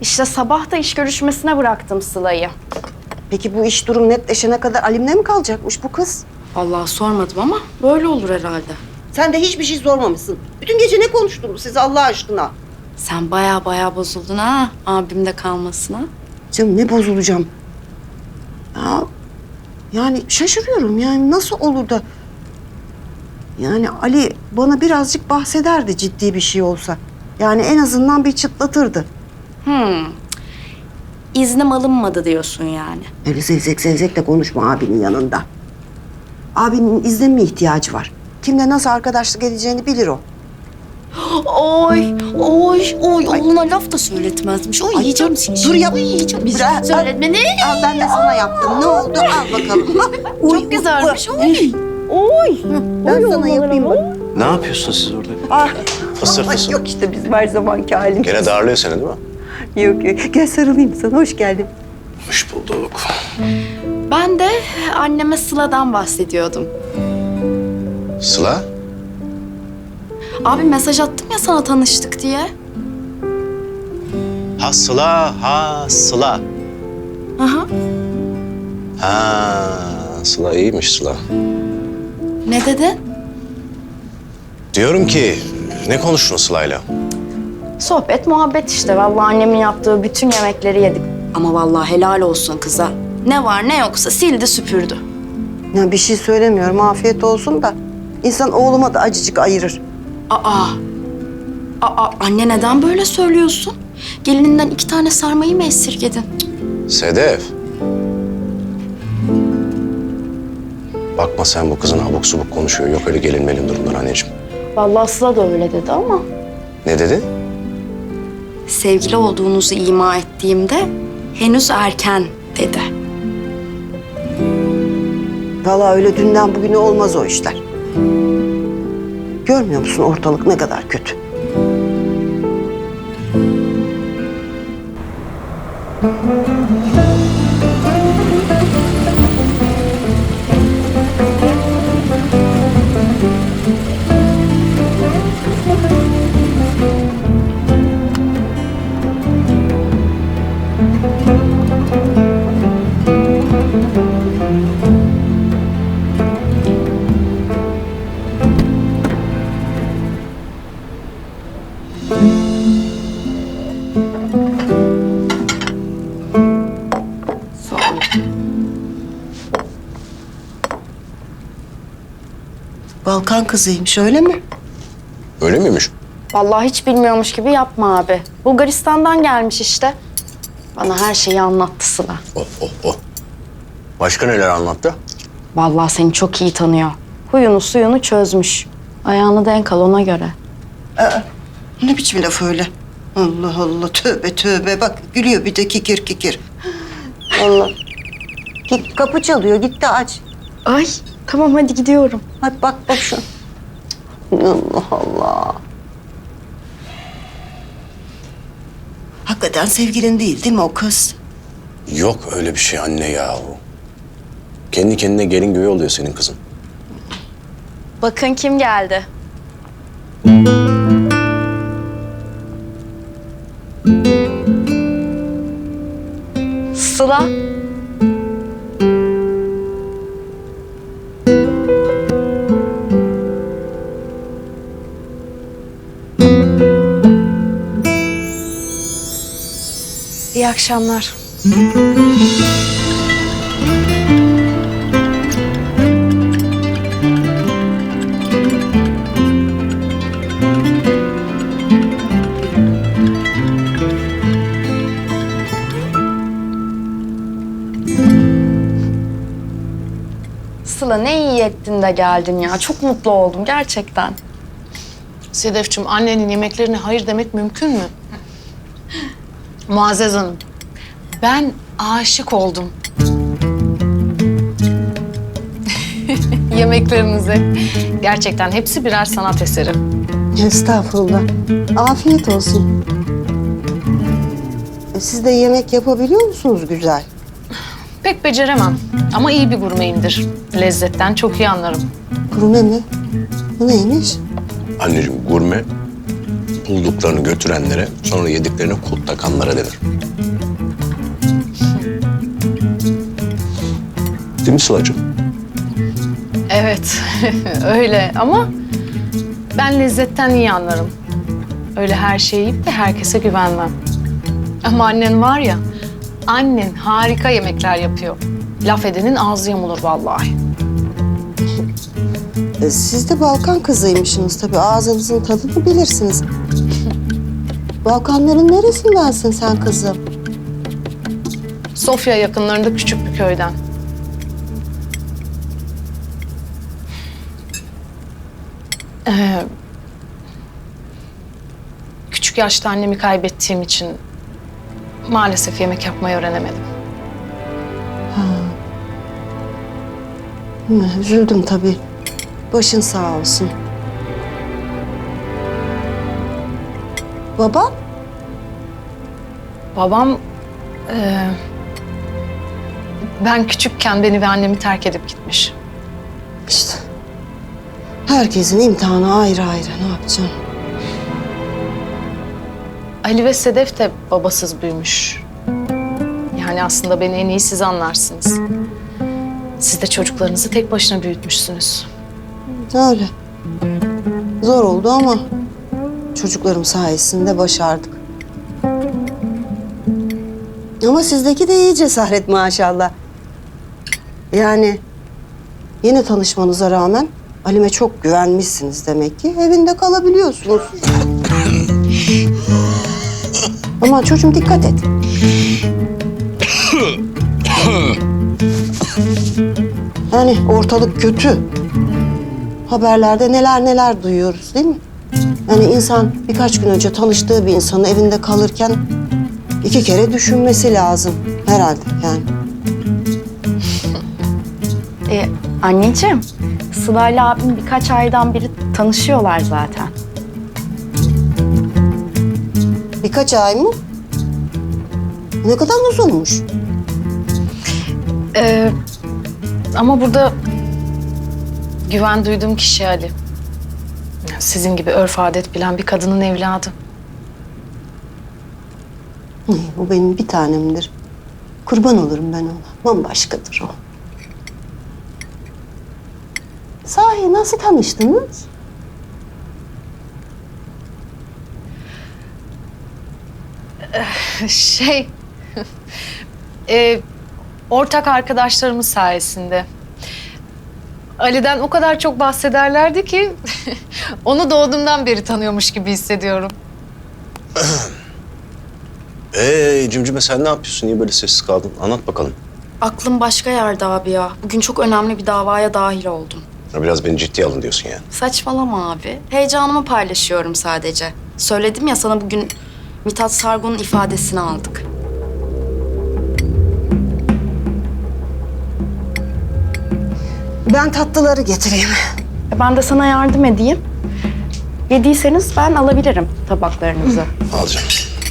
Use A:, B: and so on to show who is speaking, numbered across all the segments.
A: İşte sabah da iş görüşmesine bıraktım Sıla'yı.
B: Peki bu iş durum netleşene kadar Alim'le mi kalacakmış bu kız?
A: Vallahi sormadım ama böyle olur herhalde.
B: Sen de hiçbir şey sormamışsın. Bütün gece ne konuştunuz siz Allah aşkına?
A: Sen baya bozuldun ha abimde kalmasına.
B: Canım ne bozulacağım? Ya, yani şaşırıyorum yani nasıl olur da... Yani Ali bana birazcık bahsederdi ciddi bir şey olsa. Yani en azından bir çıtlatırdı.
A: İznim alınmadı diyorsun yani.
B: Öyle zevzek de konuşma abinin yanında. Abinin izne mi ihtiyacı var? Kimle nasıl arkadaşlık edeceğini bilir o.
A: Oy oğluna laf da söyletmezmiş. Oy yiyeceğim seni.
B: Dur yap.
A: Yiyeceğim.
B: Bırak.
A: Söyletme ne?
B: Al ben de sana yaptım. Ne oldu? Al bakalım.
A: Çok güzelmiş. Oy.
B: Ben sana yapayım bak.
C: Ne yapıyorsun siz orada?
B: Ah.
C: Fısır fısır.
B: Yok işte bizim her zamanki halimiz.
C: Gene darlıyor seni değil mi?
B: Yok. Gel sarılayım sana. Hoş geldin.
C: Hoş bulduk.
A: Ben de anneme Sıla'dan bahsediyordum.
C: Sıla?
A: Abi mesaj attım ya sana tanıştık diye.
C: Ha Sıla, ha Sıla.
A: Aha.
C: Ha Sıla iyiymiş Sıla.
A: Ne dedin?
C: Diyorum ki ne konuştun Sıla'yla?
A: Sohbet, muhabbet işte. Vallahi annemin yaptığı bütün yemekleri yedik. Ama vallahi helal olsun kıza. Ne var ne yoksa sildi süpürdü.
B: Ya bir şey söylemiyorum. Afiyet olsun da. İnsan oğluma da acıcık ayırır.
A: Aa anne neden böyle söylüyorsun? Gelininden 2 tane sarmayı mı esirgedin?
C: Sedef. Bakma sen bu kızın abuk subuk konuşuyor. Yok öyle gelinmenin durumlar anneciğim.
A: Vallahi Sıla da öyle dedi ama.
C: Ne dedi?
A: Sevgili olduğunuzu ima ettiğimde henüz erken dedi.
B: Vallahi öyle dünden bugüne olmaz o işler. Görmüyor musun ortalık ne kadar kötü? Balkan kızıymış öyle mi?
C: Öyle miymiş?
A: Vallahi hiç bilmiyormuş gibi yapma abi. Bulgaristan'dan gelmiş işte. Bana her şeyi anlattı Sıla.
C: Oh. Başka neler anlattı?
A: Vallahi seni çok iyi tanıyor. Huyunu suyunu çözmüş. Ayağını denk al ona göre.
B: Ne biçim laf öyle? Allah Allah tövbe bak gülüyor bir de kikir. Allah. Git kapı çalıyor git de aç.
A: Ay tamam hadi gidiyorum.
B: Hadi bak şu. Allah Allah. Hakikaten sevgilin değil mi o kız?
C: Yok öyle bir şey anne yahu. Kendi kendine gelin güvey oluyor senin kızın.
A: Bakın kim geldi. Sıla. İyi akşamlar. Sıla ne iyi ettin de geldin ya. Çok mutlu oldum gerçekten.
D: Sedefciğim, annenin yemeklerine hayır demek mümkün mü? Muazzez Hanım, ben aşık oldum. Yemeklerinize. Gerçekten hepsi birer sanat eseri.
B: Estağfurullah. Afiyet olsun. Siz de yemek yapabiliyor musunuz güzel?
D: Pek beceremem ama iyi bir gurmeyimdir. Lezzetten çok iyi anlarım.
B: Gurme mi? Bu neymiş?
C: Anneciğim gurme bulduklarını götürenlere, sonra yediklerine kut takanlara denir. Değil mi Sıla'cığım?
D: Evet, öyle ama ben lezzetten iyi anlarım. Öyle her şeyi yiyip de herkese güvenmem. Ama annen var ya, annen harika yemekler yapıyor. Laf edenin ağzı yamulur vallahi.
B: Siz de Balkan kızıymışsınız tabii. Ağzınızın tadını bilirsiniz. Balkanların neresindensin sen kızım?
D: Sofya yakınlarında küçük bir köyden. Küçük yaşta annemi kaybettiğim için maalesef yemek yapmayı öğrenemedim.
B: Üzüldüm tabii. Başın sağ olsun. Baba?
D: Babam ben küçükken beni ve annemi terk edip gitmiş.
B: İşte. Herkesin imtihanı ayrı ayrı. Ne yapacaksın?
D: Ali ve Sedef de babasız büyümüş. Yani aslında beni en iyi siz anlarsınız. Siz de çocuklarınızı tek başına büyütmüşsünüz.
B: Öyle. Zor oldu ama çocuklarım sayesinde başardık. Ama sizdeki de iyi cesaret maşallah. Yani yeni tanışmanıza rağmen Halim'e çok güvenmişsiniz demek ki. Evinde kalabiliyorsunuz. Ama çocuğum dikkat et. Yani ortalık kötü. Haberlerde neler neler duyuyoruz değil mi? Yani insan birkaç gün önce tanıştığı bir insanın evinde kalırken 2 kere düşünmesi lazım herhalde yani.
A: Anneciğim, Sıla'yla abim birkaç aydan beri tanışıyorlar zaten.
B: Birkaç ay mı? Ne kadar uzunmuş.
D: Ama burada güven duyduğum kişi Ali. Sizin gibi örf adet bilen bir kadının evladı.
B: O benim bir tanemdir. Kurban olurum ben ona. Bambaşkadır o. Sahi nasıl tanıştınız?
D: Ortak arkadaşlarımız sayesinde. Ali'den o kadar çok bahsederlerdi ki onu doğduğumdan beri tanıyormuş gibi hissediyorum.
C: Cimcime sen ne yapıyorsun? Niye böyle sessiz kaldın? Anlat bakalım.
A: Aklım başka yerde abi ya. Bugün çok önemli bir davaya dahil oldum.
C: Ya biraz beni ciddiye alın diyorsun yani.
A: Saçmalama abi. Heyecanımı paylaşıyorum sadece. Söyledim ya sana bugün Mithat Sargun'un ifadesini aldık.
B: Ben tatlıları getireyim.
A: Ben de sana yardım edeyim. Yediyseniz ben alabilirim tabaklarınızı.
C: Alacağım.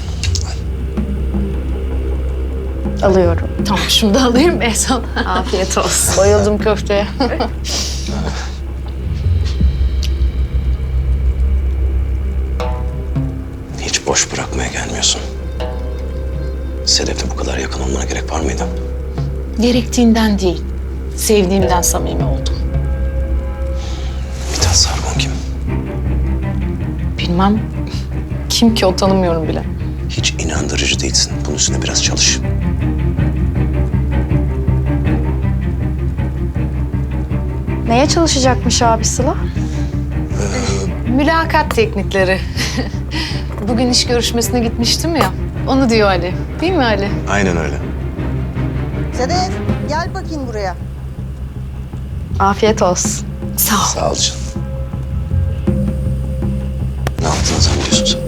A: Alıyorum.
D: Tamam şunu da alayım en son.
A: Afiyet olsun.
D: Bayıldım köfteye.
C: Hiç boş bırakmaya gelmiyorsun. Sedef'le bu kadar yakın olmana gerek var mıydı?
D: Gerektiğinden değil, sevdiğimden samimi oldum.
C: Mithat Sargun kim?
D: Bilmem kim ki o, tanımıyorum bile.
C: Hiç inandırıcı değilsin. Bunun üstüne biraz çalış.
A: Neye çalışacakmış abi Sıla?
D: Mülakat teknikleri. Bugün iş görüşmesine gitmiştim ya. Onu diyor Ali. Değil mi Ali?
C: Aynen öyle.
B: Sedef gel bakayım buraya.
A: Afiyet olsun.
D: Sağ ol.
C: Sağ ol canım. Ne yaptığını zannediyorsun sen?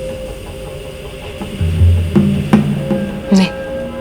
D: Ne?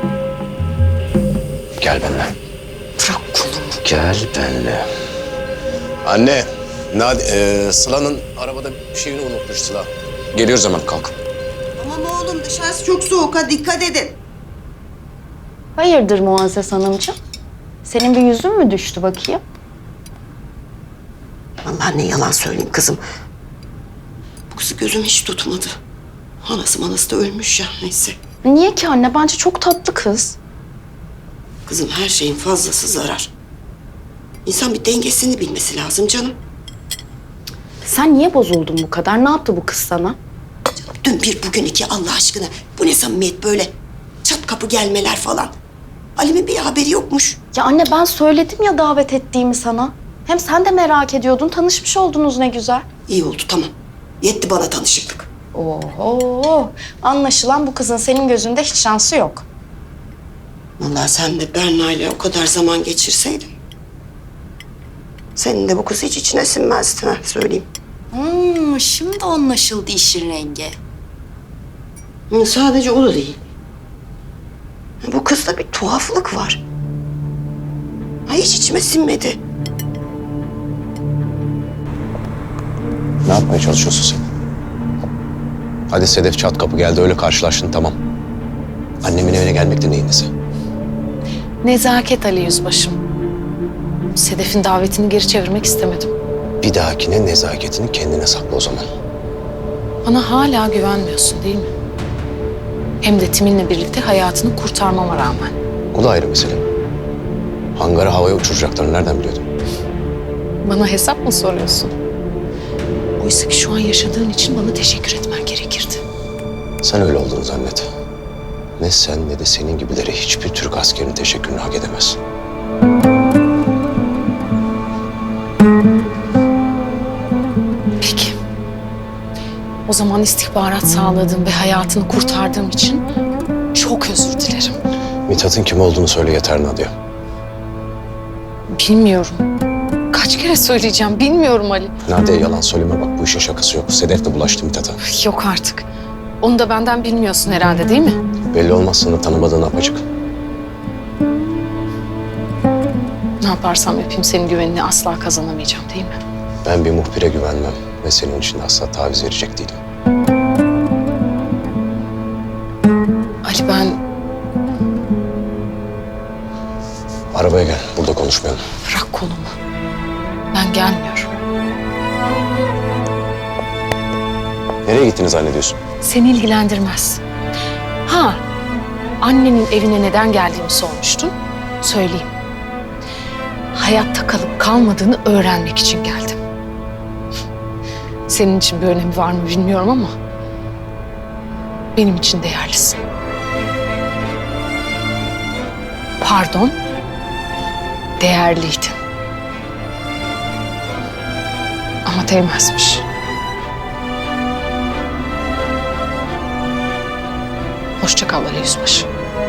C: Gel benimle.
B: Bırak kolumu.
C: Gel benimle. Anne, Sıla'nın arabada bir şeyini unutmuş Sıla. Geliyoruz hemen, kalk.
B: Tamam oğlum dışarısı çok soğuk ha dikkat edin.
A: Hayırdır Muazzez Hanımcığım? Senin bir yüzün mü düştü bakayım?
B: Vallahi ne yalan söyleyeyim kızım. Bu kızı gözüm hiç tutmadı. Anası manası da ölmüş ya, neyse.
A: Niye ki anne? Bence çok tatlı kız.
B: Kızım, her şeyin fazlası zarar. İnsan bir dengesini bilmesi lazım canım.
A: Sen niye bozuldun bu kadar? Ne yaptı bu kız sana?
B: Dün bir, bugün iki, Allah aşkına. Bu ne samimiyet böyle? Çat kapı gelmeler falan. Ali'min bir haberi yokmuş.
A: Ya anne ben söyledim ya davet ettiğimi sana. Hem sen de merak ediyordun. Tanışmış oldunuz ne güzel.
B: İyi oldu, tamam. Yetti bana tanışıklık.
A: Oho. Anlaşılan bu kızın senin gözünde hiç şansı yok.
B: Vallahi sen de Berna ile o kadar zaman geçirseydin, senin de bu kız hiç içine sinmezdi, ha, söyleyeyim.
A: Şimdi anlaşıldı işin rengi.
B: Sadece o da değil. Bu kızda bir tuhaflık var. Ha, hiç içime sinmedi.
C: Ne yapmaya çalışıyorsun sen? Hadi Sedef çat kapı geldi, öyle karşılaştın, tamam. Annemin evine gelmek de neyin nesi?
D: Nezaket Ali Yüzbaşım. Sedef'in davetini geri çevirmek istemedim.
C: Bir dahakine nezaketini kendine sakla o zaman.
D: Bana hala güvenmiyorsun değil mi? Hem de Timin'le birlikte hayatını kurtarmama rağmen.
C: O da ayrı mesele. Hangarı havaya uçuracaklarını nereden biliyordun?
D: Bana hesap mı soruyorsun? Oysa ki şu an yaşadığın için bana teşekkür etmen gerekirdi.
C: Sen öyle olduğunu zannet. Ne sen ne de senin gibileri hiçbir Türk askerinin teşekkürünü hak edemez.
D: Peki. O zaman istihbarat sağladığım ve hayatını kurtardığım için çok özür dilerim.
C: Mithat'ın kim olduğunu söyle yeter Nadia.
D: Bilmiyorum. Kaç kere söyleyeceğim bilmiyorum Ali.
C: Nadia yalan söyleme bak, bu işin şakası yok. Sedef de bulaştı Mithat'a.
D: Yok artık. Onu da benden bilmiyorsun herhalde değil mi?
C: Belli olmaz, sana tanımadığın apaçık.
D: Ne yaparsam yapayım senin güvenini asla kazanamayacağım değil mi?
C: Ben bir muhbire güvenmem ve senin için de asla taviz verecek değilim.
D: Ali ben
C: Arabaya gel, burada konuşmayalım.
D: bırak kolumu. Ben gelmiyorum.
C: Nereye gittiniz zannediyorsun?
D: Seni ilgilendirmez. Ha, annenin evine neden geldiğimi sormuştun. Söyleyeyim. Hayatta kalıp kalmadığını öğrenmek için geldim. Senin için bir önemi var mı bilmiyorum ama benim için değerlisin. Pardon, değerliydin. Ama değmezmiş. Hoşça kal Ali Yüzbaşı.